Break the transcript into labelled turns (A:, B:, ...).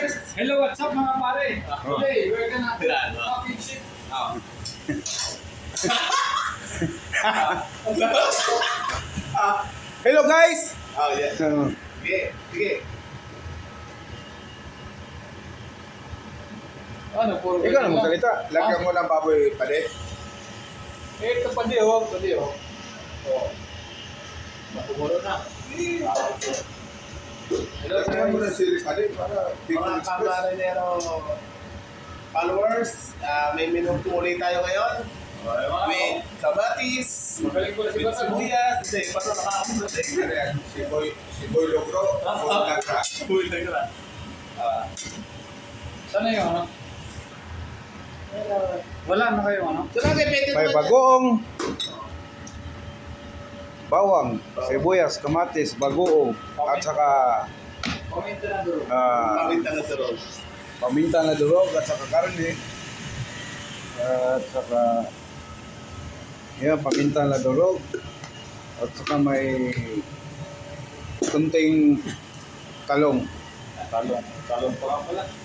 A: followers! Hello, what's up mga pare? Today, we're gonna
B: Tirano.
A: fucking shit.
C: Hello guys!
B: Oh, yeah. Sige, sige.
A: Ano, puro
C: Ikaw na magsalita. Lagyan mo ng baboy pade.
A: Ito pa di oh, pa di oh. Oh. Napumuro na. Hello
C: Lagyan mo ng
A: guys.
C: sili pade para
B: Mga kamarinero followers, may minuto ulit tayo ngayon. With kamatis,
A: Magaling ko na si
B: with
A: Batan.
B: sibuyas. Hindi, paano nakakapunod eh?
C: Si Boy Logro.
B: Uy, teka.
A: Sana yung ano? Wala na kayo ano?
B: Sabagay, pwede
C: May
B: naman.
C: bagoong. Bawang, sibuyas, kamatis, bagoong. At saka
A: Comment na doon.
B: Paminta na sa roll.
C: paminta na durog at saka karne. At saka yan, paminta na durog. At saka may kunting talong.
A: Talong pa nga pala.